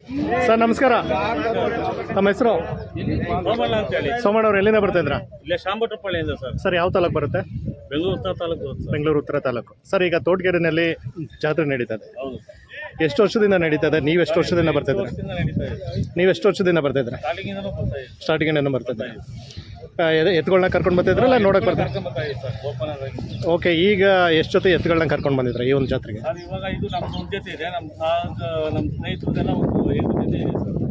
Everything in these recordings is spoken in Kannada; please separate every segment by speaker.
Speaker 1: ಸರ್ ನಮಸ್ಕಾರ, ತಮ್ಮ ಹೆಸರು?
Speaker 2: ಸೋಮಣ್ಣ ಅಂತ ಹೇಳಿ.
Speaker 1: ಸೋಮಣ್ಣ ಅವ್ರು ಎಲ್ಲಿಂದ ಬರ್ತಾ ಇದ್ರಾ?
Speaker 2: ಇಲ್ಲೇ ಶಾಂಭಟ್ರಪಳ್ಳಿಯಿಂದ ಸರ್.
Speaker 1: ಸರ್ ಯಾವ ತಾಲೂಕು ಬರುತ್ತೆ?
Speaker 2: ಬೆಂಗಳೂರು ಉತ್ತರ ತಾಲೂಕು ಬರುತ್ತೆ ಸರ್.
Speaker 1: ಬೆಂಗಳೂರು ಉತ್ತರ ತಾಲೂಕು. ಸರ್ ಈಗ ತೋಟಗೆರೆನಲ್ಲಿ ಜಾತ್ರೆ ನಡೀತದೆ,
Speaker 2: ಹೌದು ಸರ್.
Speaker 1: ಎಷ್ಟು ವರ್ಷದಿಂದ ನಡೀತದೆ? ನೀವು ಎಷ್ಟು ವರ್ಷದಿಂದ ಬರ್ತಾ ಇದ್ದೀರಾ?
Speaker 2: ವರ್ಷದಿಂದ ನಡೀತಾ ಇದೆ.
Speaker 1: ನೀವು ಎಷ್ಟು ವರ್ಷದಿಂದ ಬರ್ತಾ ಇದ್ದೀರಾ?
Speaker 2: ಸ್ಟಾರ್ಟಿಂಗಿಂದನೂ ಬರ್ತಾ ಇದೆ.
Speaker 1: ಸ್ಟಾರ್ಟಿಂಗ್ ಬರ್ತಾ ಇದ್ದೀರಾ? ಎತ್ತುಗಳನ್ನ ಕರ್ಕೊಂಡು ಬರ್ತಿದ್ರಲ್ಲ ನೋಡಕ್ಕೆ ಬರ್ತಾರೆ?
Speaker 2: ಕರ್ಕೊಂಡ್ ಬರ್ತಾ ಇದೆ ಸರ್, ಓಪನರ್ ಆಗಿ.
Speaker 1: ಓಕೆ, ಈಗ ಎಷ್ಟು ಜೊತೆ ಎತ್ತುಗಳನ್ನ ಕರ್ಕೊಂಡು ಬಂದಿದ್ರ ಈ ಒಂದು ಜಾತ್ರೆಗೆ?
Speaker 2: ಸರ್ ಇವಾಗ ಇದು ನಮ್ಮ ಒಂದು ಜೊತೆ ಇದೆ, ನಮ್ಮ ಸ್ನೇಹಿತರದೆಲ್ಲ ಒಂದು 8 ಜೊತೆ ಇದೆ ಸರ್.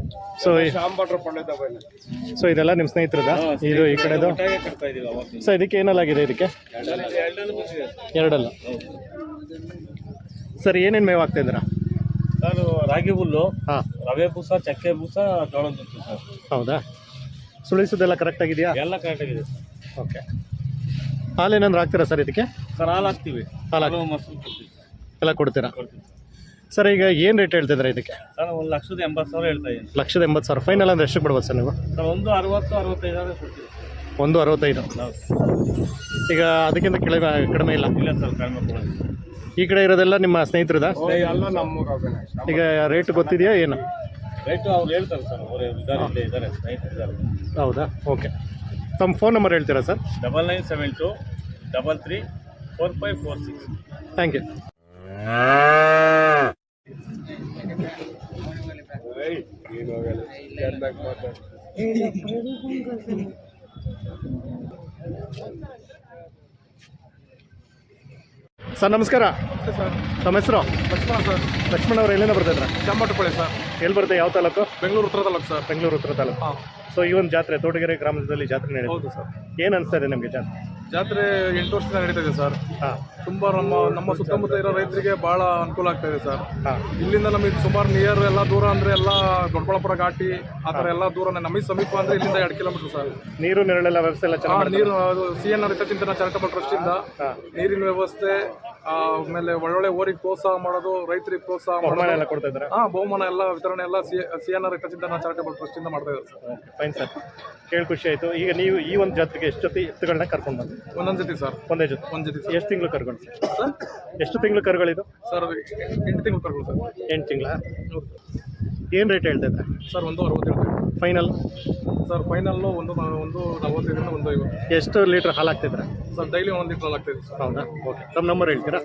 Speaker 1: ಸೊ ಇದೆಲ್ಲ ನಿಮ್ಮ ಸ್ನೇಹಿತರದ? ಇದು ಈ ಕಡೆದು
Speaker 2: ಒಟ್ಟಾಗೆ ಕಟ್ತಾ ಇದೀವಿ ಅವಾಗ.
Speaker 1: ಸೊ ಇದಕ್ಕೆ ಏನಲ್ಲಾಗಿದೆ? ಇದಕ್ಕೆ
Speaker 2: ಎರಡಲ್ಲೂ ಬಂದಿದೆ ಸರ್.
Speaker 1: ಎರಡಲ್ಲ. ಸರ್ ಏನೇನು ಮೇವು ಆಗ್ತಾ ಇದ್ದೀರಾ?
Speaker 2: ಸರ್ ರಾಗಿ ಹುಲ್ಲು,
Speaker 1: ಹಾಂ,
Speaker 2: ರವೆ ಬೂಸ, ಚಕ್ಕೆ ಬೂಸ, ಜೋಳದ ನುಚ್ಚು ಸರ್.
Speaker 1: ಹೌದಾ? ಸುಳಿಸೋದೆಲ್ಲ ಕರೆಕ್ಟ್ ಆಗಿದೆಯಾ?
Speaker 2: ಎಲ್ಲ ಕರೆಕ್ಟಾಗಿದೆ ಸರ್.
Speaker 1: ಓಕೆ, ಹಾಲೇನಾದ್ರು ಹಾಕ್ತೀರಾ ಸರ್ ಇದಕ್ಕೆ?
Speaker 2: ಸರ್ ಹಾಲು ಹಾಕ್ತೀವಿ,
Speaker 1: ಹಾಲು
Speaker 2: ಮೊಸರು ಕೊಡ್ತೀವಿ
Speaker 1: ಎಲ್ಲ ಕೊಡ್ತೀರಾ?
Speaker 2: ಕೊಡ್ತೀವಿ
Speaker 1: ಸರ್ ಈಗ ಏನು ರೇಟ್ ಹೇಳ್ತಿದ್ದೀರಾ ಇದಕ್ಕೆ?
Speaker 2: ಸರ್ 1,80,000 ಹೇಳ್ತಾ ಇದ್ದೀನಿ.
Speaker 1: 1,80,000 ಫೈನಲ್ ಅಂದ್ರೆ ಎಷ್ಟು ಬಿಡ್ಬೋದು ಸರ್ ನೀವು?
Speaker 2: ಸರ್ 1,60,000-65,000 ಕೊಡ್ತೀವಿ.
Speaker 1: 1,65,000. ಈಗ ಅದಕ್ಕಿಂತ ಕಡಿಮೆ ಇಲ್ಲ?
Speaker 2: ಇಲ್ಲ ಸರ್, ಕಡಿಮೆ ಕೊಡೋದು.
Speaker 1: ಈ ಕಡೆ ಇರೋದೆಲ್ಲ ನಿಮ್ಮ ಸ್ನೇಹಿತರದ?
Speaker 2: ಎಲ್ಲ ನಮ್ಮೂರು.
Speaker 1: ಈಗ ರೇಟ್ ಗೊತ್ತಿದೆಯಾ ಏನು?
Speaker 2: ರೈಟು ಅವ್ರು ಹೇಳ್ತಾರೆ ಸರ್, ಅವರು ಇದ್ದಾರೆ ಸ್ನೇಹಿತರಿದ್ದಾರೆ.
Speaker 1: ಹೌದಾ? ಓಕೆ, ತಮ್ಮ ಫೋನ್ ನಂಬರ್ ಹೇಳ್ತೀರಾ ಸರ್?
Speaker 2: 9972 33 4546.
Speaker 1: Thank you. ಸರ್ ನಮಸ್ಕಾರ, ತಮ್ಮ ಹೆಸರು?
Speaker 3: ಲಕ್ಷ್ಮಣ ಸರ್.
Speaker 1: ಲಕ್ಷ್ಮಣ ಅವ್ರು ಎಲ್ಲಿಂದ ಬರ್ತಿದ್ರ?
Speaker 3: ಶಾಂಭಟ್ರಪಳ್ಳಿ ಸರ್.
Speaker 1: ಎಲ್ಲಿ ಬರುತ್ತೆ? ಯಾವ ತಾಲೂಕು?
Speaker 3: ಬೆಂಗಳೂರು ಉತ್ತರ ತಾಲೂಕು ಸರ್.
Speaker 1: ಬೆಂಗಳೂರು ಉತ್ತರ ತಾಲೂಕು.
Speaker 3: ಹಾಂ.
Speaker 1: ಸೊ ಈ ಒಂದು ಜಾತ್ರೆ ತೋಟಗೆರೆ ಗ್ರಾಮದಲ್ಲಿ ಜಾತ್ರೆ ನಡೆಯುತ್ತೆ.
Speaker 3: ಹೌದು ಸರ್.
Speaker 1: ಏನು ಅನಿಸ್ತಾ ಇದೆ ನಿಮಗೆ ಜಾತ್ರೆ?
Speaker 3: ಜಾತ್ರೆ 8 ವರ್ಷದಿಂದ ನಡೀತಾ ಇದೆ ಸರ್.
Speaker 1: ಹಾಂ
Speaker 3: ತುಂಬ ನಮ್ಮ ಸುತ್ತಮುತ್ತ ಇರೋ ರೈತರಿಗೆ ಭಾಳ ಅನುಕೂಲ ಆಗ್ತಾ ಇದೆ ಸರ್.
Speaker 1: ಹಾಂ.
Speaker 3: ಇಲ್ಲಿಂದ ನಮಗೆ ಸುಮಾರು ನಿಯರ್ ಎಲ್ಲ ದೂರ ಅಂದರೆ ಎಲ್ಲ ದೊಡ್ಡಬಳ್ಳಾಪುರ ಘಾಟಿ ಆ ಥರ ಎಲ್ಲ ದೂರನೇ. ನಮಗೆ ಸಮೀಪ ಅಂದರೆ ಇಲ್ಲಿಂದ 2 ಕಿಲೋಮೀಟರ್ ಸರ್.
Speaker 1: ನೀರು ನೆರಳೆಲ್ಲ ವ್ಯವಸ್ಥೆ ಎಲ್ಲ ಚೆನ್ನಾಗಿ?
Speaker 3: ನೀರು ಅದು CNR ಹಿತಚಿಂತನ ಚಾರಿಟಬಲ್ ಟ್ರಸ್ಟಿಂದ ನೀರಿನ ವ್ಯವಸ್ಥೆ, ಆಮೇಲೆ ಒಳ್ಳೊಳ್ಳೆ ಓರಿಗೆ ಪ್ರೋತ್ಸಾಹ ಮಾಡೋದು, ರೈತರಿಗೆ ಪ್ರೋತ್ಸಾಹ
Speaker 1: ಬಹುಮಾನ ಎಲ್ಲ ಕೊಡ್ತಾ ಇದ್ದಾರೆ?
Speaker 3: ಬಹುಮಾನ ಎಲ್ಲ ವಿತರಣೆ ಎಲ್ಲ CNR ಹಿತಚಿಂತನ ಚಾರಿಟಬಲ್ ಟ್ರಸ್ಟಿಂದ ಮಾಡ್ತಾ ಇದ್ದಾರೆ ಸರ್.
Speaker 1: ಓಕೆ, ಫೈನ್ ಸರ್, ಕೇಳಿ ಖುಷಿ ಆಯಿತು. ಈಗ ನೀವು ಈ ಒಂದು ಜಾತ್ರೆಗೆ ಎಷ್ಟು ಜೊತೆ ಎತ್ತುಗಳನ್ನ ಕರ್ಕೊಂಡು ಬಂದ್ರಿ?
Speaker 3: ಒಂದೊಂದು ಜೊತೆ ಸರ್.
Speaker 1: ಒಂದೇ ಜೊತೆ?
Speaker 3: ಒಂದು ಜೊತೆ ಸರ್.
Speaker 1: ಎಷ್ಟು ತಿಂಗಳು ಕರ್ಕೊಂಡು
Speaker 3: ಸರ್?
Speaker 1: ಎಷ್ಟು ತಿಂಗಳು ಕರುಗಳಿದು?
Speaker 3: ಸರ್ 8 ತಿಂಗಳು ಕರ್ಗಳು ಸರ್.
Speaker 1: 8 ತಿಂಗಳ? ಏನು ರೇಟ್ ಹೇಳ್ತಾ ಇದ್ದಾರೆ
Speaker 3: ಸರ್? 1,60 ಹೇಳ್ತೀವಿ.
Speaker 1: ಫೈನಲ್?
Speaker 3: Sir final 1,45 1,50.
Speaker 1: ಎಷ್ಟು ಲೀಟ್ರ್ ಹಾಲು ಹಾಕ್ತಿದ್ರೆ
Speaker 3: ಸರ್? ಡೈಲಿ 1 ಲೀಟ್ರ್ ಆಗ್ತಾಯಿದೆ ಸರ್.
Speaker 1: ಹೌದಾ? ಓಕೆ, ತಮ್ಮ ನಂಬರ್ ಹೇಳ್ತೀರಾ?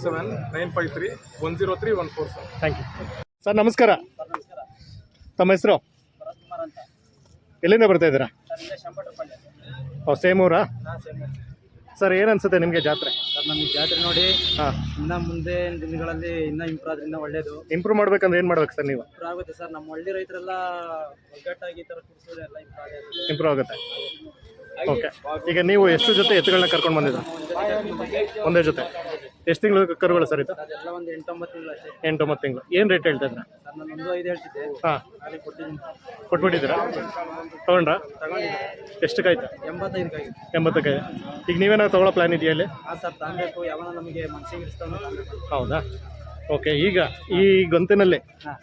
Speaker 3: 77953104 ಸರ್.
Speaker 1: Thank you. ಸರ್ ನಮಸ್ಕಾರ, ತಮ್ಮ ಹೆಸರು? ಎಲ್ಲಿಂದ ಬರ್ತಾ ಇದ್ದೀರಾ? ಓ, ಸೇಮೂರಾ? ಸರ್ ಏನು ಅನ್ಸುತ್ತೆ ನಿಮಗೆ ಜಾತ್ರೆ?
Speaker 4: ಸರ್ ನಮಗೆ ಜಾತ್ರೆ ನೋಡಿ
Speaker 1: ಹಾಂ,
Speaker 4: ಇನ್ನು ಮುಂದೆ ದಿನಗಳಲ್ಲಿ ಇನ್ನೂ ಇಂಪ್ರೂವ್ ಆದ್ರಿಂದ ಒಳ್ಳೇದು.
Speaker 1: ಇಂಪ್ರೂವ್ ಮಾಡ್ಬೇಕಂದ್ರೆ ಏನು ಮಾಡ್ಬೇಕು ಸರ್ ನೀವು?
Speaker 4: ಇಂಪ್ರೂವ್ ಆಗುತ್ತೆ ಸರ್. ನಮ್ಮ ಹಳ್ಳಿ ರೈತರೆಲ್ಲ ಒಗ್ಗಟ್ಟಾಗಿ ಈ ಥರ ಕುಡಿಸೋದು ಎಲ್ಲ
Speaker 1: ಇಂಪ್ರೂವ್ ಆಗುತ್ತೆ. ಓಕೆ, ಈಗ ನೀವು ಎಷ್ಟು ಜೊತೆ ಎತ್ತುಗಳನ್ನ ಕರ್ಕೊಂಡು ಬಂದಿದ್ದೀರಾ? ಒಂದೇ ಜೊತೆ. ಎಷ್ಟು ತಿಂಗಳು ಕರುಗಳು ಸರ್ ಇದು?
Speaker 4: ಅದೆಲ್ಲ ಒಂದು 8-9 ತಿಂಗಳು ಅಷ್ಟೇ.
Speaker 1: 8-9 ತಿಂಗಳು. ಏನು ರೇಟ್ ಹೇಳ್ತಾ ಇದ್ದೀರಾ?
Speaker 4: ಸರ್ ನಾನು 1,5 ಹೇಳ್ತಿದ್ದೆ.
Speaker 1: ಹಾಂ,
Speaker 4: ಅಲ್ಲಿ ಕೊಟ್ಟಿದ್ದೀನಿ.
Speaker 1: ಕೊಟ್ಬಿಟ್ಟಿದ್ದೀರಾ? ತೊಗೊಂಡ್ರಾ?
Speaker 4: ತಗೊಂಡಿದ್ದೆ.
Speaker 1: ಎಷ್ಟಕ್ಕಾಯ್ತು?
Speaker 4: 85
Speaker 1: 80ಕ್ಕೆ. ಈಗ ನೀವೇನಾದ್ರು ತೊಗೊಳ್ಳೋ ಪ್ಲ್ಯಾನ್ ಇದೆಯಾ ಇಲ್ಲಿ?
Speaker 4: ಹಾಂ ಸರ್, ತಗೊಬೇಕು. ಯಾವಾಗ ನಮಗೆ ಮನಸ್ಸಿಗೆ ಇರಿಸ್ತಾವೆ ತಗೊಬೇಕು.
Speaker 1: ಹೌದಾ? ಓಕೆ, ಈಗ ಈ ಗೊಂತಿನಲ್ಲಿ
Speaker 4: ಹಾಂ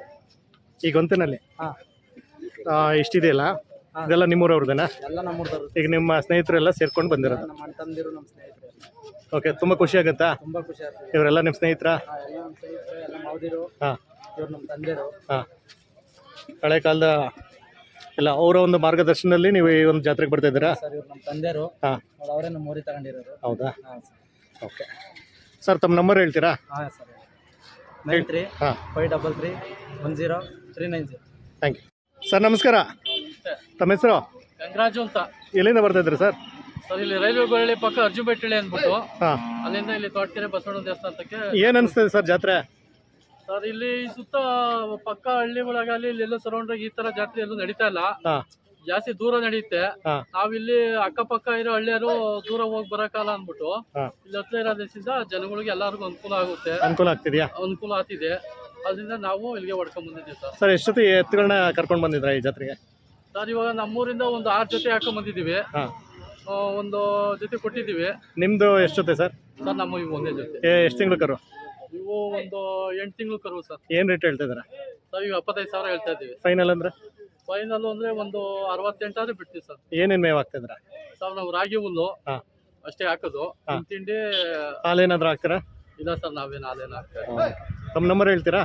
Speaker 4: ಹಾಂ
Speaker 1: ಇಷ್ಟಿದೆಯಲ್ಲ, ಇದೆಲ್ಲ ನಿಮ್ಮೂರವ್ರದ್ದೇನಾ?
Speaker 4: ಎಲ್ಲ ನಮ್ಮೂರ್ದವ್ರು.
Speaker 1: ಈಗ ನಿಮ್ಮ ಸ್ನೇಹಿತರೆಲ್ಲ ಸೇರ್ಕೊಂಡು ಬಂದಿರೋದು?
Speaker 4: ನಮ್ಮ ಅಣ್ಣ ತಮ್ಮದಿರು, ನಮ್ಮ ಸ್ನೇಹಿತರು.
Speaker 1: ಓಕೆ, ತುಂಬ ಖುಷಿ ಆಗುತ್ತಾ?
Speaker 4: ತುಂಬ ಖುಷಿ ಆಗ್ತದೆ.
Speaker 1: ಇವರೆಲ್ಲ ನಿಮ್ಮ ಸ್ನೇಹಿತರಾ?
Speaker 4: ಎಲ್ಲ ನಮ್ಮ ಸ್ನೇಹಿತರು, ಎಲ್ಲ ಮಾವದಿರು.
Speaker 1: ಹಾಂ
Speaker 4: ಇವ್ರು ನಮ್ಮ ತಂದೆರು.
Speaker 1: ಹಾಂ. ಹಳೆ ಕಾಲದ ಎಲ್ಲ ಅವರ ಒಂದು ಮಾರ್ಗದರ್ಶನದಲ್ಲಿ ನೀವು ಈ ಒಂದು ಜಾತ್ರೆಗೆ ಬರ್ತಾ ಇದ್ದೀರಾ?
Speaker 4: ಸರ್ ಇವ್ರು ನಮ್ಮ ತಂದೆರು.
Speaker 1: ಹಾಂ.
Speaker 4: ಅವರೇ ನಮ್ಮ ಊರಿಗೆ ತಗೊಂಡಿರೋರು.
Speaker 1: ಹೌದಾ?
Speaker 4: ಹಾಂ ಸರ್.
Speaker 1: ಓಕೆ ಸರ್, ತಮ್ಮ ನಂಬರ್ ಹೇಳ್ತೀರಾ?
Speaker 4: ಹಾಂ ಸರ್. 93
Speaker 1: ಹಾಂ
Speaker 4: 533 10390.
Speaker 1: Thank you. ಸರ್ ನಮಸ್ಕಾರ, ತಮ್ಮ ಹೆಸರು?
Speaker 2: ಗಂಗರಾಜು ಅಂತ.
Speaker 1: ಎಲ್ಲಿಂದ ಬರ್ತಾ ಇದ್ರಿ ಸರ್?
Speaker 2: ಸರ್ ಇಲ್ಲಿ ರೈಲ್ವೆ ಬಳ್ಳಿ ಪಕ್ಕ ಅರ್ಜುನಬೆಟ್ಟಳ್ಳಿ ಅಂದ್ಬಿಟ್ಟು,
Speaker 1: ಹಾಂ.
Speaker 2: ಅಲ್ಲಿಂದ ಇಲ್ಲಿ ತೋಟಕೆರೆ ಬಸವಣ್ಣ ದೇವಸ್ಥಾನಕ್ಕೆ.
Speaker 1: ಏನು ಅನಿಸ್ತದೆ ಸರ್ ಜಾತ್ರೆ?
Speaker 2: ಸರ್ ಇಲ್ಲಿ ಸುತ್ತ ಪಕ್ಕ ಹಳ್ಳಿಗಳಾಗಲಿ ಇಲ್ಲೆಲ್ಲೂ ಸರೌಂಡ್ ಈ ತರ ಜಾತ್ರೆ ಎಲ್ಲೂ ನಡೀತಾ ಇಲ್ಲ.
Speaker 1: ಹಾಂ
Speaker 2: ಜಾಸ್ತಿ ದೂರ ನಡೆಯುತ್ತೆ.
Speaker 1: ಹಾಂ
Speaker 2: ನಾವಿಲ್ಲಿ ಅಕ್ಕಪಕ್ಕ ಇರೋ ಹಳ್ಳಿಯರು ದೂರ ಹೋಗಿ ಬರಕಾಲ ಅಂದ್ಬಿಟ್ಟು
Speaker 1: ಹಾಂ
Speaker 2: ಇಲ್ಲಿ ಹತ್ರ ಇರೋದ್ರಿಂದ ಜನಗಳಿಗೆ ಎಲ್ಲರಿಗೂ ಅನುಕೂಲ ಆಗುತ್ತೆ,
Speaker 1: ಅನುಕೂಲ ಆಗ್ತಿದೆಯಾ?
Speaker 2: ಅನುಕೂಲ ಆಗ್ತಿದೆ. ಅದರಿಂದ ನಾವು ಇಲ್ಲಿಗೆ ಹೊಡ್ಕೊಂಡ್ ಬಂದಿದ್ದೀವಿ ಸರ್.
Speaker 1: ಸರ್ ಎಷ್ಟೊತ್ತಿ ಎತ್ತುಗಳನ್ನ ಕರ್ಕೊಂಡು ಬಂದಿದ್ರಾ ಈ ಜಾತ್ರೆಗೆ?
Speaker 2: ಸರ್ ಇವಾಗ ನಮ್ಮೂರಿಂದ ಒಂದು 6 ಜೊತೆ ಹಾಕೊಂಡ್ ಬಂದಿದ್ದೀವಿ.
Speaker 1: ಹಾಂ,
Speaker 2: ಒಂದು ಜೊತೆ ಕೊಟ್ಟಿದ್ದೀವಿ.
Speaker 1: ನಿಮ್ಮದು ಎಷ್ಟು ಜೊತೆ ಸರ್?
Speaker 2: ಸರ್ ನಮ್ಮ ಇವು ಒಂದೇ ಜೊತೆ.
Speaker 1: ಎಷ್ಟು ತಿಂಗಳು ಕರು?
Speaker 2: ಇವು ಒಂದು 8 ತಿಂಗಳು ಕರು ಸರ್.
Speaker 1: ಏನು ರೇಟ್ ಹೇಳ್ತಾ ಇದ್ದೀರಾ?
Speaker 2: ಸರ್ ಈಗ 75,000 ಹೇಳ್ತಾ ಇದ್ದೀವಿ.
Speaker 1: ಫೈನಲ್ ಅಂದರೆ?
Speaker 2: ಫೈನಲ್ ಅಂದ್ರೆ ಒಂದು 68 ಆದ್ರೆ ಬಿಡ್ತೀವಿ ಸರ್.
Speaker 1: ಏನೇನು ಮೇವು ಹಾಕ್ತಿದ್ದೀರಾ?
Speaker 2: ಸರ್ ನಾವು ರಾಗಿ ಹುಲ್ಲು
Speaker 1: ಹಾಂ
Speaker 2: ಅಷ್ಟೇ ಹಾಕೋದು. ತಿಂಡಿ
Speaker 1: ಹಾಲೇನಾದ್ರೂ ಹಾಕ್ತೀರಾ?
Speaker 2: ಇಲ್ಲ ಸರ್, ನಾವೇನು ಹಾಲೇನು ಹಾಕ್ತಾ ಇಲ್ಲ.
Speaker 1: ತಮ್ಮ ನಂಬರ್ ಹೇಳ್ತೀರಾ?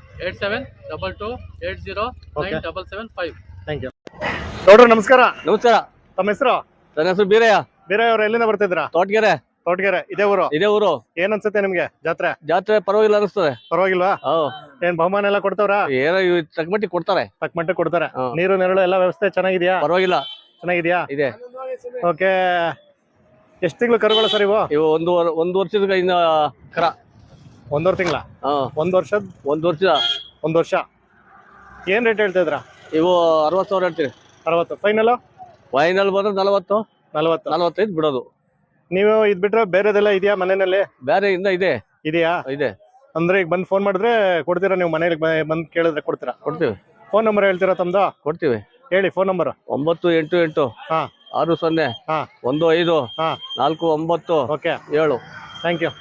Speaker 2: 8722809775.
Speaker 1: Thank you. ನೋಡ್ರಿ ನಮಸ್ಕಾರ.
Speaker 5: ನಮಸ್ಕಾರ.
Speaker 1: ತಮ್ಮ ಹೆಸರು?
Speaker 5: ನನ್ನ ಹೆಸರು ಬೀರಯ್ಯ.
Speaker 1: ಬೀರಯ್ಯ ಅವ್ರು ಎಲ್ಲಿಂದ ಬರ್ತಿದ್ರಾ?
Speaker 5: ತೋಟಗೆರೆ.
Speaker 1: ತೋಟಗೆರೆ ಇದೇ ಊರು?
Speaker 5: ಇದೇ ಊರು.
Speaker 1: ಏನ್ ಅನ್ಸುತ್ತೆ ನಿಮ್ಗೆ ಜಾತ್ರೆ?
Speaker 5: ಜಾತ್ರೆ ಪರವಾಗಿಲ್ಲ ಅನಿಸ್ತದೆ.
Speaker 1: ಪರವಾಗಿಲ್ವಾ? ಏನ್ ಬಹುಮಾನ ಎಲ್ಲ ಕೊಡ್ತಾವ್ರಾ?
Speaker 5: ಏನೋ ತಕ್ಕಮಟ್ಟಿ ಕೊಡ್ತಾರೆ.
Speaker 1: ತಕ್ಕಮಟ್ಟಿ ಕೊಡ್ತಾರೆ. ನೀರು ನೆರಳು ಎಲ್ಲ ವ್ಯವಸ್ಥೆ ಚೆನ್ನಾಗಿದ್ಯಾ?
Speaker 5: ಪರವಾಗಿಲ್ಲ.
Speaker 1: ಚೆನ್ನಾಗಿದ್ಯಾ?
Speaker 5: ಇದೆ.
Speaker 1: ಓಕೆ. ಎಷ್ಟು ತಿಂಗಳು ಕರುಗಳು ಸರ್ ಇವು?
Speaker 5: ಇವು ಒಂದು ವರ್ಷದ ಇನ್ನ ಕರ.
Speaker 1: 1.5 ತಿಂಗಳ? 1 ವರ್ಷದ?
Speaker 5: 1 ವರ್ಷದ.
Speaker 1: 1 ವರ್ಷ. ಏನ್ ರೇಟ್ ಹೇಳ್ತಾ ಇದ್ರಾ?
Speaker 5: ಇವು 60,000 ಹೇಳ್ತೀವಿ.
Speaker 1: 60. ಫೈನಲ್?
Speaker 5: ಫೈನಲ್ ಬಂದ್ರೆ 40, 45 ಬಿಡೋದು.
Speaker 1: ನೀವು ಇದ್ ಬಿಟ್ರೆ ಬೇರೆದೆಲ್ಲ ಇದೆಯಾ ಮನೆಯಲ್ಲಿ?
Speaker 5: ಬೇರೆ ಇಂದ
Speaker 1: ಇದೆಯಾ?
Speaker 5: ಇದೆ.
Speaker 1: ಅಂದ್ರೆ ಈಗ ಬಂದು ಫೋನ್ ಮಾಡಿದ್ರೆ ಕೊಡ್ತೀರಾ? ನೀವು ಮನೇಲಿ ಬಂದು ಕೇಳಿದ್ರೆ ಕೊಡ್ತೀರಾ?
Speaker 5: ಕೊಡ್ತೀವಿ.
Speaker 1: ಫೋನ್ ನಂಬರ್ ಹೇಳ್ತೀರಾ ತಮ್ದು?
Speaker 5: ಕೊಡ್ತೀವಿ.
Speaker 1: ಹೇಳಿ ಫೋನ್ ನಂಬರ್.
Speaker 5: 988
Speaker 1: ಹಾ
Speaker 5: 60
Speaker 1: ಹಾ
Speaker 5: 15
Speaker 1: ಹಾ
Speaker 5: 49
Speaker 1: ಓಕೆ
Speaker 5: 7.
Speaker 1: Thank you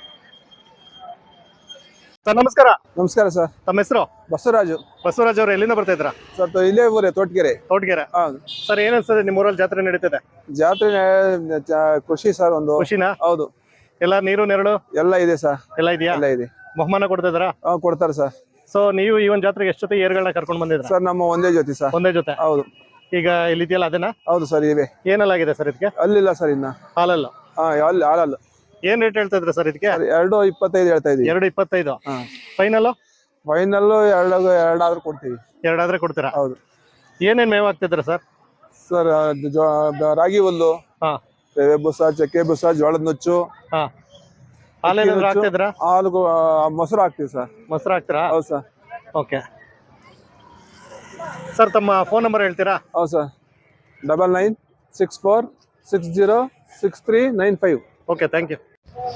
Speaker 1: sir. ನಮಸ್ಕಾರ.
Speaker 6: ನಮಸ್ಕಾರ ಸರ್.
Speaker 1: ತಮ್ಮ ಹೆಸರು?
Speaker 6: ಬಸವರಾಜು.
Speaker 1: ಬಸವರಾಜ್ ಅವರು ಎಲ್ಲಿಂದ ಬರ್ತಾ ಇದ್ರ?
Speaker 6: ಸರ್ ಇಲ್ಲೇ ಊರೇ ತೋಟಗೆರೆ.
Speaker 1: ತೋಟಗೆರೆ.
Speaker 6: ಹೌದು
Speaker 1: ಸರ್. ಏನ್ ಅನ್ಸ್ತದೆ ನಿಮ್ಮ ಊರಲ್ಲಿ ಜಾತ್ರೆ ನಡೀತಿದೆ?
Speaker 6: ಜಾತ್ರೆ ಖುಷಿ ಸರ್. ಒಂದು
Speaker 1: ಖುಷಿನಾ?
Speaker 6: ಹೌದು.
Speaker 1: ಎಲ್ಲ ನೀರು ನೆರಳು
Speaker 6: ಎಲ್ಲ ಇದೆ ಸರ್.
Speaker 1: ಎಲ್ಲ ಇದೆಯಾ?
Speaker 6: ಎಲ್ಲ ಇದೆ.
Speaker 1: ಬಹುಮಾನ ಕೊಡ್ತಾ ಇದ್ದಾರಾ?
Speaker 6: ಕೊಡ್ತಾರೆ ಸರ್.
Speaker 1: ಸೊ ನೀವು ಈ ಒಂದು ಜಾತ್ರೆಗೆ ಎಷ್ಟು ಜೊತೆ ಏರ್ಗಳನ್ನ ಕರ್ಕೊಂಡು ಬಂದಿದ್ರ?
Speaker 6: ಸರ್ ನಮ್ಮ ಒಂದೇ ಜೊತೆ ಸರ್.
Speaker 1: ಒಂದೇ ಜೊತೆ?
Speaker 6: ಹೌದು.
Speaker 1: ಈಗ ಇಲ್ಲಿದೆಯಲ್ಲ ಅದೇನಾ?
Speaker 6: ಹೌದು ಸರ್ ಇವೆ.
Speaker 1: ಏನೆಲ್ಲ ಆಗಿದೆ ಸರ್ ಇದಕ್ಕೆ?
Speaker 6: ಅಲ್ಲಿಲ್ಲ ಸರ್ ಇನ್ನ.
Speaker 1: ಹಾಲಲ್ಲ?
Speaker 6: ಅಲ್ಲಿ ಹಾಲಲ್ಲ.
Speaker 1: ಏನ್ ರೇಟ್ ಹೇಳ್ತಾ ಇದ್ರ ಸರ್ ಇದಕ್ಕೆ?
Speaker 6: 2.25 ಹೇಳ್ತಾ ಇದೀವಿ.
Speaker 1: 2.25. ಫೈನಲ್?
Speaker 6: ಫೈನಲ್ 2 ಕೊಡ್ತೀವಿ.
Speaker 1: 2 ಆದ್ರೆ ಕೊಡ್ತೀರಾ?
Speaker 6: ಹೌದು.
Speaker 1: ಏನೇನ್ ಮೇವ್ ಆಗ್ತಿದ್ರ ಸರ್?
Speaker 6: ಸರ್ ರಾಗಿ ಹುಲ್ಲು,
Speaker 1: ಹಾ
Speaker 6: ರವೆ ಬುಸ, ಚಕ್ಕೆ ಬುಸ, ಜೋಳದ ನುಚ್ಚು.
Speaker 1: ಹಾ ಹಾಲೇನಾದ್ರು ಹಾಕ್ತಿದ್ರಾ?
Speaker 6: ಹಾಲು ಮೊಸರು ಹಾಕ್ತಿವಿ ಸರ್.
Speaker 1: ಮೊಸರು ಹಾಕ್ತೀರಾ?
Speaker 6: ಹೌದು ಸರ್.
Speaker 1: Okay sir. ತಮ್ಮ ಫೋನ್ ನಂಬರ್ ಹೇಳ್ತೀರಾ?
Speaker 6: ಹೌದು sir. 9964606395.
Speaker 1: Okay thank you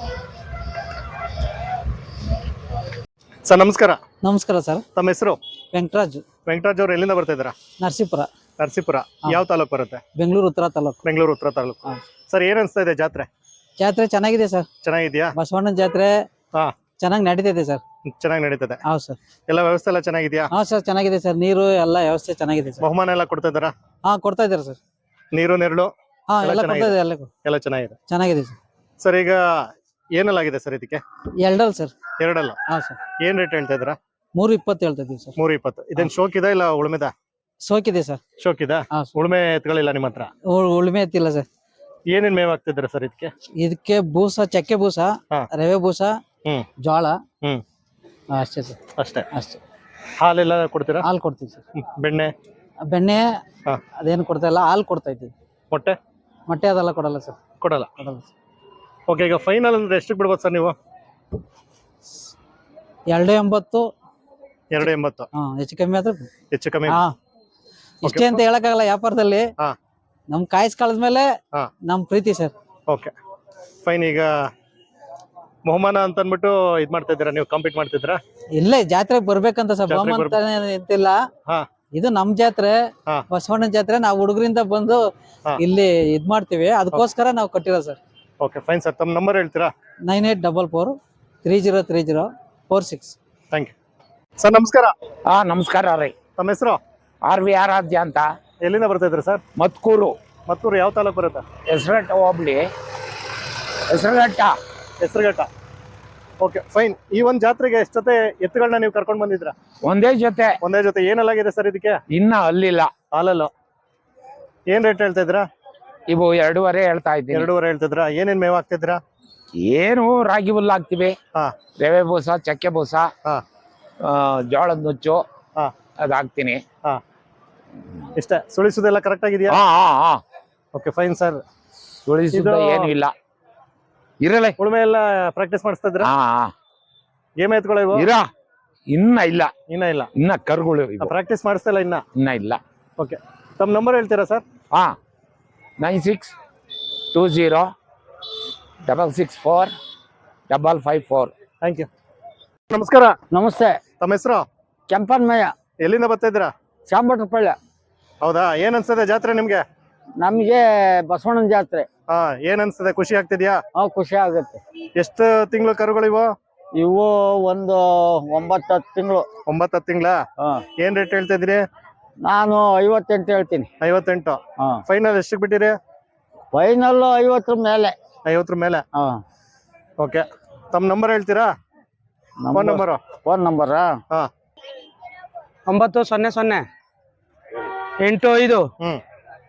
Speaker 1: sir. ನಮಸ್ಕಾರ.
Speaker 7: ನಮಸ್ಕಾರ ಸರ್.
Speaker 1: ತಮ್ಮ ಹೆಸರು?
Speaker 7: ವೆಂಕಟರಾಜು.
Speaker 1: ವೆಂಕಟರಾಜ್ ಅವ್ರು ಎಲ್ಲಿಂದ ಬರ್ತಾ ಇದ್ದೀರಾ?
Speaker 7: ನರಸೀಪುರ.
Speaker 1: ನರಸೀಪುರ ಯಾವ ತಾಲೂಕು ಬರುತ್ತೆ?
Speaker 7: ಬೆಂಗಳೂರು ಉತ್ತರ ತಾಲೂಕು.
Speaker 1: ಬೆಂಗಳೂರು ಉತ್ತರ ತಾಲೂಕು. ಸರ್ ಏನ್ ಅನ್ಸ್ತಾ ಇದೆ ಜಾತ್ರೆ?
Speaker 7: ಜಾತ್ರೆ ಚೆನ್ನಾಗಿದೆ ಸರ್.
Speaker 1: ಚೆನ್ನಾಗಿದ್ಯಾ?
Speaker 7: ಬಸವಣ್ಣನ ಜಾತ್ರೆ
Speaker 1: ಹಾ
Speaker 7: ಚೆನ್ನಾಗಿ ನಡೀತಿದೆ ಸರ್.
Speaker 1: ಚೆನ್ನಾಗಿ ನಡೀತದೆ?
Speaker 7: ಹೌದು ಸರ್.
Speaker 1: ಎಲ್ಲ ವ್ಯವಸ್ಥೆ ಎಲ್ಲ ಚೆನ್ನಾಗಿದ್ಯಾ?
Speaker 7: ಹಾ ಸರ್ ಚೆನ್ನಾಗಿದೆ ಸರ್. ನೀರು ಎಲ್ಲ ವ್ಯವಸ್ಥೆ ಚೆನ್ನಾಗಿದೆ ಸರ್.
Speaker 1: ಬಹುಮಾನ ಎಲ್ಲ ಕೊಡ್ತಾ ಇದ್ದಾರಾ?
Speaker 7: ಹಾ ಕೊಡ್ತಾ ಇದ್ದಾರೆ ಸರ್.
Speaker 1: ನೀರು ನೆರಳು
Speaker 7: ಹಾ ಎಲ್ಲ ಕೊಡ್ತಾ ಇದೆ.
Speaker 1: ಎಲ್ಲ ಚೆನ್ನಾಗಿದೆ?
Speaker 7: ಚೆನ್ನಾಗಿದೆ ಸರ್.
Speaker 1: ಸರ್ ಈಗ ಏನೆಲ್ಲಾಗಿದೆ ಸರ್ ಇದಕ್ಕೆ?
Speaker 7: ಎರಡಲ್ಲ ಸರ್.
Speaker 1: ಎರಡಲ್ಲ?
Speaker 7: ಹಾ ಸರ್.
Speaker 1: ಏನ್ ರೇಟ್ ಹೇಳ್ತಾ ಇದ್ದೀರಾ?
Speaker 7: 3.20 ಹೇಳ್ತಾ ಇದೀವಿ ಸರ್.
Speaker 1: 3.20. ಇದೇನ್ ಶೋಕ್ ಇದೆ ಇಲ್ಲ ಉಳುಮೆದ?
Speaker 7: ಸೋಕಿದೆ ಸರ್.
Speaker 1: ಶೋಕ್ ಇದೆ?
Speaker 7: ಹಾ
Speaker 1: ಉಳುಮೆ ಎತ್ಗಳಿಲ್ಲ ನಿಮ್ಮ ಹತ್ರ?
Speaker 7: ಉಳುಮೆ ಎತ್ತಿಲ್ಲ ಸರ್.
Speaker 1: ಏನೇನ್ ಮೇವ್ ಆಗ್ತಿದ್ರ ಸರ್ ಇದಕ್ಕೆ?
Speaker 7: ಇದಕ್ಕೆ ಬೂಸ, ಚಕ್ಕೆ ಬೂಸ,
Speaker 1: ಹಾ.
Speaker 7: ರವೆ ಬೂಸ, ಜೋಳ. ಅಷ್ಟೇ ಸರ್.
Speaker 1: ಅಷ್ಟೇ?
Speaker 7: ಅಷ್ಟೇ.
Speaker 1: ಹಾಲೆಲ್ಲ ಕೊಡ್ತೀರಾ?
Speaker 7: ಹಾಲು ಕೊಡ್ತೀವಿ ಸರ್.
Speaker 1: ಬೆಣ್ಣೆ?
Speaker 7: ಬೆಣ್ಣೆ
Speaker 1: ಹಾ.
Speaker 7: ಅದೇನು ಕೊಡ್ತಾ ಇಲ್ಲ. ಹಾಲು ಕೊಡ್ತಾ ಇದ್ದೀವಿ.
Speaker 1: ಮೊಟ್ಟೆ?
Speaker 7: ಮೊಟ್ಟೆ ಅದೆಲ್ಲ ಕೊಡಲ್ಲ ಸರ್.
Speaker 1: ಕೊಡಲ್ಲ?
Speaker 7: ಕೊಡಲ್ಲ ಸರ್.
Speaker 1: ಓಕೆ. ಈಗ ಫೈನಲ್ ಅಂದ್ರೆ ಎಷ್ಟಕ್ಕೆ ಬಿಡ್ಬೋದು ಸರ್ ನೀವು?
Speaker 7: 2.80.
Speaker 1: 2.80.
Speaker 7: ಹೆಚ್ಚು ಕಮ್ಮಿ ಆದ್ರೆ
Speaker 1: ಹೆಚ್ಚು ಕಮ್ಮಿ?
Speaker 7: ಹಾ ಇಷ್ಟೇ ಅಂತ ಹೇಳಕ್ಕಾಗಲ್ಲ ವ್ಯಾಪಾರದಲ್ಲಿ.
Speaker 1: ಹಾ.
Speaker 7: ನಮ್ ಕಾಯಿಸ್ಕಳದ್ಮೇಲೆ
Speaker 1: ಹಾ.
Speaker 7: ನಮ್ ಪ್ರೀತಿ ಸರ್.
Speaker 1: Okay fine. ಈಗ ಬಹುಮಾನ ಅಂತ ಅಂದ್ಬಿಟ್ಟು ಇದ್ ಮಾಡ್ತಾ ಇದ್ದೀರಾ ನೀವು? ಕಾಂಪೀಟ್ ಮಾಡ್ತಿದ್ದೀರಾ?
Speaker 7: ಇಲ್ಲೇ ಜಾತ್ರೆಗೆ ಬರ್ಬೇಕಂತ ಸರ್.
Speaker 1: ಜಾತ್ರೆಗ್
Speaker 7: ಬಹುಮಾನ ಎಂತಿಲ್ಲ.
Speaker 1: ಹಾ.
Speaker 7: ಇದು ನಮ್ ಜಾತ್ರೆ,
Speaker 1: ಹಾ.
Speaker 7: ಬಸವಣ್ಣನ ಜಾತ್ರೆ. ನಾವು ಹುಡುಗರಿಂದ ಬಂದು
Speaker 1: ಹಾ.
Speaker 7: ಇಲ್ಲಿ ಇದ್ ಮಾಡ್ತೀವಿ. ಅದಕ್ಕೋಸ್ಕರ ನಾವು ಕಟ್ಟಿರೋ ಸರ್.
Speaker 1: Okay fine sir. ತಮ್ಮ ನಂಬರ್ ಹೇಳ್ತೀರಾ?
Speaker 7: 9844303046.
Speaker 1: Thank you sir. ನಮಸ್ಕಾರ.
Speaker 8: ನಮಸ್ಕಾರ ರೀ.
Speaker 1: ತಮ್ಮ ಹೆಸರು?
Speaker 8: RV ಆರಾಧ್ಯ ಅಂತ.
Speaker 1: ಎಲ್ಲಿಂದ ಬರ್ತಾ ಇದ್ರಿ ಸರ್?
Speaker 8: ಮತ್ಕೂರು.
Speaker 1: ಮತ್ತೂರು ಯಾವ ತಾಲೂಕು ಬರುತ್ತೆ?
Speaker 8: ಹೆಸರಘಟ್ಟ ಹೋಬಳಿ. ಹೆಸರಘಟ್ಟ.
Speaker 1: ಹೆಸರುಘಟ್ಟ. Okay fine. ಈ ಒಂದು ಜಾತ್ರೆಗೆ ಎಷ್ಟು ಜೊತೆ ಎತ್ತುಗಳನ್ನ ನೀವು ಕರ್ಕೊಂಡು ಬಂದಿದ್ರ?
Speaker 8: ಒಂದೇ ಜೊತೆ.
Speaker 1: ಒಂದೇ ಜೊತೆ. ಏನೆಲ್ಲಾಗಿದೆ ಸರ್ ಇದಕ್ಕೆ?
Speaker 8: ಇನ್ನ ಅಲ್ಲಿಲ್ಲ.
Speaker 1: ಹಾಲಲ್ಲ? ಏನ್ ರೇಟ್ ಹೇಳ್ತಾ ಇದ್ರಾ?
Speaker 8: ಇವು 2.5 ಹೇಳ್ತಾ ಇದ್ದೀನಿ.
Speaker 1: 2.5 ಹೇಳ್ತಿದ್ರಾ? ಏನೇನ್ ಮೇವ್ ಹಾಕ್ತಿದ್ರಾ?
Speaker 8: ಏನು ರಾಗಿ ಹುಲ್ಲು ಹಾಕ್ತಿವಿ,
Speaker 1: ಹಾ.
Speaker 8: ರವೆ ಬೂಸ, ಚಕ್ಕೆ ಬೂಸ,
Speaker 1: ಹಾ.
Speaker 8: ಜೋಳದ ನುಚ್ಚು,
Speaker 1: ಹಾ.
Speaker 8: ಅದ್ ಹಾಕ್ತೀನಿ.
Speaker 1: ಹಾ ಇಷ್ಟ. ಸುಳಿಸೋದೆಲ್ಲ ಕರೆಕ್ಟ್ ಆಗಿದೆಯಾ? Okay fine sir.
Speaker 8: ಸುಳಿಸುದ ಏನು ಇಲ್ಲ. ಇರಲೇ
Speaker 1: ಉಳುಮೆ ಎಲ್ಲ ಪ್ರಾಕ್ಟೀಸ್ ಮಾಡಿಸ್ತಾ ಇದ್ರ? ಗೇಮ್ ಎತ್ಕೊಳ್ಳೋ ಇವು?
Speaker 8: ಇನ್ನ ಇಲ್ಲ.
Speaker 1: ಇನ್ನ ಇಲ್ಲ?
Speaker 8: ಇನ್ನ ಕರುಗಳು
Speaker 1: ಪ್ರಾಕ್ಟೀಸ್ ಮಾಡಿಸ್ತಾ ಇಲ್ಲ ಇನ್ನ
Speaker 8: ಇಲ್ಲ.
Speaker 1: ಓಕೆ ತಮ್ಮ ನಂಬರ್ ಹೇಳ್ತೀರಾ ಸರ್?
Speaker 8: 9620664554.
Speaker 1: Thank you. ನಮಸ್ಕಾರ.
Speaker 7: ನಮಸ್ತೆ.
Speaker 1: ತಮ್ಮ ಹೆಸರು?
Speaker 7: ಕೆಂಪನ್ಮಯ್ಯ.
Speaker 1: ಎಲ್ಲಿಂದ ಬರ್ತಾ ಇದ್ದೀರಾ?
Speaker 7: ಚಾಮರಾಜಪೇಟೆ.
Speaker 1: ಹೌದಾ? ಏನ್ ಅನ್ಸ್ತದೆ ಜಾತ್ರೆ ನಿಮ್ಗೆ?
Speaker 7: ನಮ್ಗೆ ಬಸವಣ್ಣನ ಜಾತ್ರೆ.
Speaker 1: ಏನ್ ಅನ್ಸ್ತದೆ? ಖುಷಿ ಆಗ್ತಿದ್ಯಾ?
Speaker 7: ಖುಷಿ ಆಗುತ್ತೆ.
Speaker 1: ಎಷ್ಟು ತಿಂಗಳು ಕರುಗಳು ಇವು?
Speaker 7: ಇವು ಒಂದು 9-10 ತಿಂಗಳು.
Speaker 1: 9-10 ತಿಂಗಳ? ಏನ್ ರೇಟ್ ಹೇಳ್ತಾ ಇದ್ರಿ?
Speaker 7: ನಾನು 58 ಹೇಳ್ತೀನಿ.
Speaker 1: 58. ಫೈನಲ್ ಎಷ್ಟಕ್ಕೆ ಬಿಟ್ಟಿರಿ?
Speaker 7: ಫೈನಲ್ 50 ಮೇಲೆ.
Speaker 1: 50 ಮೇಲೆ? ಓಕೆ ತಮ್ಮ ನಂಬರ್ ಹೇಳ್ತೀರಾ? ಫೋನ್ ನಂಬರು
Speaker 7: ಫೋನ್ ನಂಬರಾ
Speaker 1: ಹಾ
Speaker 2: 900 85
Speaker 1: ಹ್ಮ್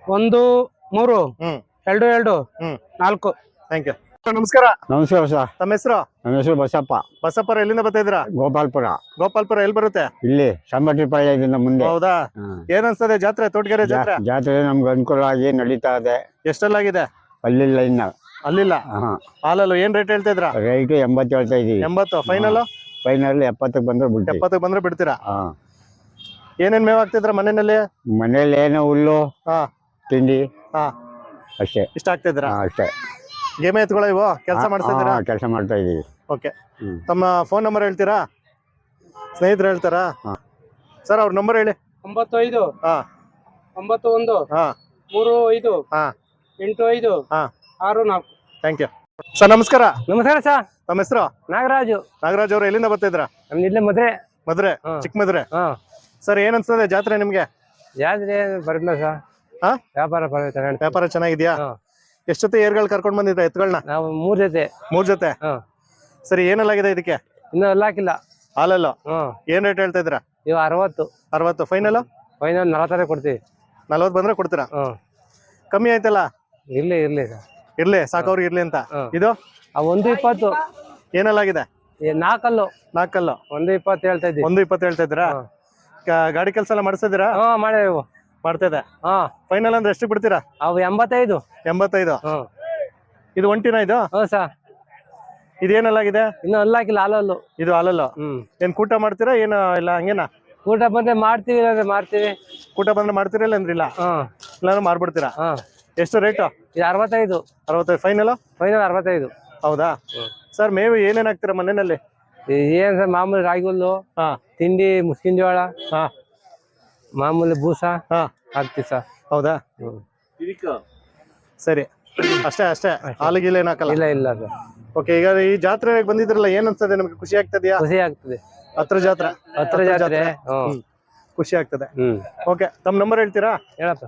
Speaker 2: 13
Speaker 1: ಹ್ಮ್
Speaker 2: 22
Speaker 1: ಹ್ಮ್
Speaker 2: 4.
Speaker 1: Thank you. ನಮಸ್ಕಾರ.
Speaker 7: ನಮಸ್ಕಾರ ಸರ್.
Speaker 1: ತಮ್ಮ ಹೆಸರು?
Speaker 7: ನನ್ನ ಹೆಸರು ಬಸಪ್ಪ,
Speaker 1: ಬಸಪ್ಪರ ಎಲ್ಲಿಂದ ಬರ್ತಾ ಇದ್ದೀರಾ?
Speaker 7: ಗೋಪಾಲ್ಪುರ.
Speaker 1: ಗೋಪಾಲ್ಪುರ ಎಲ್ಲಿ ಬರುತ್ತೆ?
Speaker 7: ಇಲ್ಲಿ ಸಂಬಟಿಪಾಳ್ಯದಿಂದ ಮುಂದೆ.
Speaker 1: ಹೌದಾ? ಏನ್ ಅನ್ಸ್ತದೆ ಜಾತ್ರೆ, ತೋಟಗೆರೆ ಜಾತ್ರೆ?
Speaker 7: ಜಾತ್ರೆ ನಮ್ಗೆ ಅನುಕೂಲ ಆಗಿ ನಡೀತಾ ಇದೆ.
Speaker 1: ಎಷ್ಟೆಲ್ಲಾಗಿದೆ?
Speaker 7: ಅಲ್ಲಿಲ್ಲ ಇನ್ನ.
Speaker 1: ಅಲ್ಲಿಲ್ಲ.
Speaker 7: ಹಾ,
Speaker 1: ಹಾಲಲ್ಲೂ ಏನ್ ರೇಟ್ ಹೇಳ್ತಾ ಇದ್ರಾ?
Speaker 7: ರೈಟ್ 80 ಹೇಳ್ತಾ ಇದೀವಿ.
Speaker 1: 80 ಫೈನಲ್?
Speaker 7: ಫೈನಲ್ 70 ಬಂದ್ರೆ ಬಿಡ್ತೀವಿ.
Speaker 1: 70 ಬಂದ್ರೆ ಬಿಡ್ತೀರಾ?
Speaker 7: ಹಾ,
Speaker 1: ಏನೇನ್ ಮೇವ್ ಹಾಕ್ತಿದ್ರ ಮನೆಯಲ್ಲಿ?
Speaker 7: ಮನೇಲಿ ಏನೋ ಹುಲ್ಲು
Speaker 1: ಹಾ
Speaker 7: ತಿಂಡಿ
Speaker 1: ಹಾ
Speaker 7: ಅಷ್ಟೇ.
Speaker 1: ಇಷ್ಟ ಆಗ್ತಿದ್ರ?
Speaker 7: ಹಾ, ಅಷ್ಟೇ.
Speaker 1: ಗೇಮೆ ಎತ್ಕೊಳ್ಳೋ ಇವು ಕೆಲಸ ಮಾಡಿಸ್ತಿದ್ದೀರಾ?
Speaker 7: ಕೆಲಸ ಮಾಡ್ತಾ ಇದೀವಿ.
Speaker 1: ಓಕೆ. ತಮ್ಮ ಫೋನ್ ನಂಬರ್ ಹೇಳ್ತೀರಾ? ಸ್ನೇಹಿತರು ಹೇಳ್ತಾರಾ? ಸರ್ ಅವ್ರ ನಂಬರ್ ಹೇಳಿ.
Speaker 2: 95
Speaker 1: ಹಾ
Speaker 2: 91
Speaker 1: ಹಾ
Speaker 2: 35
Speaker 1: ಹಾ
Speaker 2: 85
Speaker 1: ಹಾ
Speaker 2: 64.
Speaker 1: Thank you. ಸರ್ ನಮಸ್ಕಾರ.
Speaker 2: ನಮಸ್ಕಾರ ಸರ್.
Speaker 1: ತಮ್ಮ ಹೆಸರು?
Speaker 2: ನಾಗರಾಜು.
Speaker 1: ನಾಗರಾಜ್ ಅವರು ಎಲ್ಲಿಂದ ಬರ್ತಿದ್ರ?
Speaker 2: ನಮ್ದು ಇಲ್ಲೇ
Speaker 1: ಮದ್ರೆ, ಚಿಕ್ಕ ಮದ್ರೆ. ಸರ್ ಏನ್ ಅನ್ಸ್ತದೆ ಜಾತ್ರೆ ನಿಮ್ಗೆ?
Speaker 2: ಜಾತ್ರೆ ಬರಲ್ಲ ಸರ್.
Speaker 1: ಹಾ
Speaker 2: ವ್ಯಾಪಾರ ಪರವಾಗಿಲ್ಲ.
Speaker 1: ವ್ಯಾಪಾರ ಚೆನ್ನಾಗಿದ್ಯಾ? ಎಷ್ಟ್ ಜೊತೆ ಏರ್ಗಳು ಕರ್ಕೊಂಡ್ ಬಂದಿದ್ರ ಎತ್ಗಳನ್ನ?
Speaker 2: ನಾವು 3 ಜೊತೆ.
Speaker 1: 3 ಜೊತೆ. ಸರಿ, ಏನೆಲ್ಲಾಗಿದೆ ಇದಕ್ಕೆ?
Speaker 2: ಇನ್ನೂ ಎಲ್ಲ ಹಾಕಿಲ್ಲ.
Speaker 1: ಹಾಲಲ್ಲೂ ಏನ್ ರೇಟ್ ಹೇಳ್ತಾ ಇದ್ರ?
Speaker 2: ಇವು 60.
Speaker 1: 60 ಫೈನಲ್?
Speaker 2: ಫೈನಲ್ 40 ಕೊಡ್ತೀವಿ.
Speaker 1: 40 ಬಂದ್ರೆ ಕೊಡ್ತೀರಾ? ಕಮ್ಮಿ ಆಯ್ತಲ್ಲ?
Speaker 2: ಇರ್ಲಿ ಇರ್ಲಿ ಸರ್.
Speaker 1: ಇರ್ಲಿ, ಸಾಕವ್ರಿಗೆ ಇರ್ಲಿ ಅಂತ. ಇದು
Speaker 2: ಆ 120.
Speaker 1: ಏನೆಲ್ಲಾಗಿದೆ?
Speaker 2: 4
Speaker 1: 4
Speaker 2: 120 ಹೇಳ್ತಾ ಇದ್ದೀವಿ.
Speaker 1: 120 ಹೇಳ್ತಾ ಇದ್ದೀರಾ? ಗಾಡಿ ಕೆಲಸ ಎಲ್ಲ ಮಾಡಿಸ್ತಿದ್ದೀರಾ?
Speaker 2: ಮಾಡಿದೆವು.
Speaker 1: ಮಾಡ್ತಾ ಇದೆ. ಫೈನಲ್ ಅಂದ್ರೆ ಎಷ್ಟು ಬಿಡ್ತೀರಾ?
Speaker 2: ಅವು 85.
Speaker 1: 85. ಇದು ಒಂಟಿನ? ಇದು
Speaker 2: ಸರ್.
Speaker 1: ಇದೇನೆಲ್ಲಾಗಿದೆ?
Speaker 2: ಇನ್ನು ಅಲ್ಲಾಕಿಲ್ಲ, ಹಾಲಲ್ಲು.
Speaker 1: ಇದು ಹಾಲಲ್ಲು. ಏನ್ ಕೂಟ ಮಾಡ್ತೀರಾ ಏನು ಇಲ್ಲ ಹಂಗೇನಾ?
Speaker 2: ಊಟ ಬಂದ್ರೆ ಮಾಡ್ತೀವಿ, ಇಲ್ಲಾಂದ್ರೆ ಮಾಡ್ತೀವಿ.
Speaker 1: ಕೂಟ ಬಂದ್ರೆ ಮಾಡ್ತೀರಾ ಇಲ್ಲ ಅಂದ್ರೆ ಇಲ್ಲ? ಇಲ್ಲಾಂದ್ರೆ ಮಾರ್ಬಿಡ್ತೀರಾ? ಎಷ್ಟು ರೇಟು?
Speaker 2: ಇದು 65.
Speaker 1: 65 ಫೈನಲ್?
Speaker 2: ಫೈನಲ್ 65.
Speaker 1: ಹೌದಾ? ಸರ್ ಮೇವು ಏನೇನ್ ಹಾಕ್ತೀರಾ ಮನೆಯಲ್ಲಿ?
Speaker 2: ಏನ್ ಸರ್, ಮಾಮೂಲಿ ರಾಗಿ ಹುಲ್ಲು,
Speaker 1: ಹಾ
Speaker 2: ತಿಂಡಿ, ಮುಸ್ಕಿನ ಜೋಳ,
Speaker 1: ಹಾ
Speaker 2: ಮಾಮೂಲಿ ಬೂಸ
Speaker 1: ಹಾ
Speaker 2: ಹಾಕ್ತಿವಿ ಸರ್.
Speaker 1: ಹೌದಾ? ಸರಿ, ಅಷ್ಟೇ ಅಷ್ಟೇ. ಹಾಲಿಗಿಲ್ಲ ಏನ್ ಹಾಕಲ್ಲ?
Speaker 2: ಇಲ್ಲ ಇಲ್ಲ ಸರ್.
Speaker 1: ಓಕೆ. ಈಗ ಈ ಜಾತ್ರೆಗೆ ಬಂದಿದ್ರಲ್ಲ, ಏನ್ ಅನ್ಸ್ತದೆ ನಿಮ್ಗೆ? ಖುಷಿ ಆಗ್ತದ್ಯಾ?
Speaker 2: ಖುಷಿ ಆಗ್ತದೆ.
Speaker 1: ಹತ್ರ ಜಾತ್ರೆ?
Speaker 2: ಹತ್ರ ಜಾತ್ರೆ.
Speaker 1: ಖುಷಿ ಆಗ್ತದೆ. ಓಕೆ. ತಮ್ಮ ನಂಬರ್ ಹೇಳ್ತೀರಾ?
Speaker 2: ಹೇಳಪ್ಪ.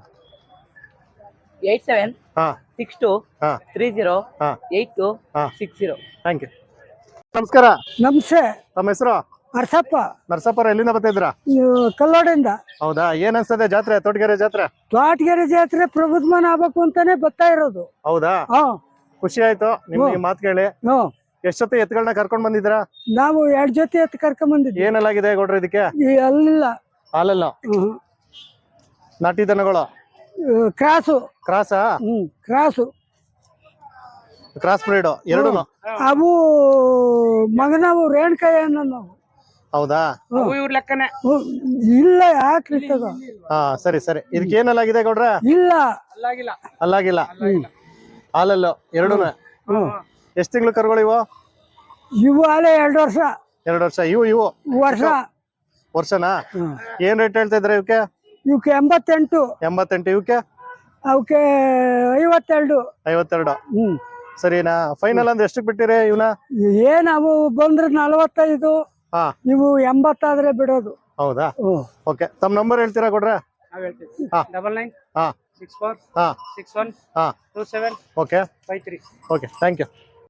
Speaker 9: 87
Speaker 1: ಹಾ
Speaker 9: 62
Speaker 1: ಹಾ
Speaker 9: 30
Speaker 1: ಹಾ
Speaker 9: 82
Speaker 1: ಹಾ
Speaker 9: 60.
Speaker 1: Thank you. ನಮಸ್ಕಾರ.
Speaker 2: ನಮಸ್ತೆ.
Speaker 1: ತಮ್ಮ ಹೆಸರು?
Speaker 2: ಅರ್ಸಪ್ಪ.
Speaker 1: ನರಸಪ್ಪರ ಎಲ್ಲಿಂದ ಬರ್ತಾ ಇದ್ದೀರಾ?
Speaker 2: ಕಲ್ಲೋಡಿಂದ.
Speaker 1: ಹೌದಾ? ಏನ್ ಅನ್ಸ್ತದೆ ಜಾತ್ರೆ, ತೋಟಗೆರೆ ಜಾತ್ರೆ?
Speaker 2: ತೋಟಗೆರೆ ಜಾತ್ರೆ ಪ್ರಬುದ್ಧಮಾನ ಆಗ್ಬೇಕು ಅಂತಾನೆ ಬರ್ತಾ ಇರೋದು.
Speaker 1: ಹೌದಾ? ಖುಷಿ ಆಯ್ತು ನಿಮ್ಗೆ ಮಾತು ಕೇಳಿ. ಎಷ್ಟೊತ್ತೆ ಎತ್ಗಳನ್ನ ಕರ್ಕೊಂಡ್ ಬಂದಿದ್ದೀರಾ?
Speaker 2: ನಾವು 2 ಜೊತೆ ಎತ್ತು ಕರ್ಕೊಂಡ್ ಬಂದಿದ್ವಿ.
Speaker 1: ಏನೆಲ್ಲಾಗಿದೆ ಗೌಡ್ರ ಇದಕ್ಕೆ?
Speaker 2: ಅಲ್ಲಿಲ್ಲ.
Speaker 1: ಹಾಲಲ್ಲ? ನಾಟಿ ದನಗಳು?
Speaker 2: ಕ್ರಾಸು.
Speaker 1: ಕ್ರಾಸಾ?
Speaker 2: ಕ್ರಾಸು.
Speaker 1: ಕ್ರಾಸ್ ಬ್ರೀಡ್ ಎರಡು?
Speaker 2: ಅವು ಮಗನವು ರೇಣಕಾಯಿ ಅನ್ನೋ ನಾವು.
Speaker 1: ಹೌದಾ?
Speaker 2: ಲೆಕ್ಕನೆ ಇಲ್ಲ. ಯಾಕ್ರಿ ತಗೋ.
Speaker 1: ಹಾ ಸರಿ ಸರಿ. ಇದಕ್ಕೆ ಏನೆಲ್ಲಾಗಿದೆ ಗೌಡ್ರ?
Speaker 2: ಇಲ್ಲ.
Speaker 1: ಅಲ್ಲಾಗಿಲ್ಲ. ಹಾಲಲ್ಲು ಎರಡು? ಎಷ್ಟ್ ತಿಂಗಳು ಕರುಗಳು ಇವು?
Speaker 2: ಇವು ಅಲ್ಲೇ 2 ವರ್ಷ.
Speaker 1: 2 ವರ್ಷ. ಇವು
Speaker 2: ವರ್ಷ.
Speaker 1: ವರ್ಷನಾ? ಏನ್ ರೇಟ್ ಹೇಳ್ತಾ ಇದ್ರೆ ಇವಕ್ಕೆ?
Speaker 2: ಇವಕ್ಕೆ 88.
Speaker 1: 88. ಇವಕ್ಕೆ?
Speaker 2: ಅವಕ್ಕೆ 52.
Speaker 1: 52. ಸರಿನಾ? ಫೈನಲ್ ಅಂದ್ರೆ ಎಷ್ಟು ಬಿಟ್ಟಿರಿ ಇವನ?
Speaker 2: ನಾವು ಬಂದ್ರೆ 45. ಇವು 80 ಆದ್ರೆ ಬಿಡೋದು.
Speaker 1: ಹೌದಾ? ಓಕೆ. ತಮ್ಮ ನಂಬರ್ ಹೇಳ್ತೀರಾ ಕೊಡ್ರ?
Speaker 2: 99
Speaker 1: ಹಾ
Speaker 2: 64
Speaker 1: ಹಾ
Speaker 2: 61
Speaker 1: ಹಾ
Speaker 2: 27
Speaker 1: ಓಕೆ
Speaker 2: 53.
Speaker 1: ಓಕೆ. Thank you.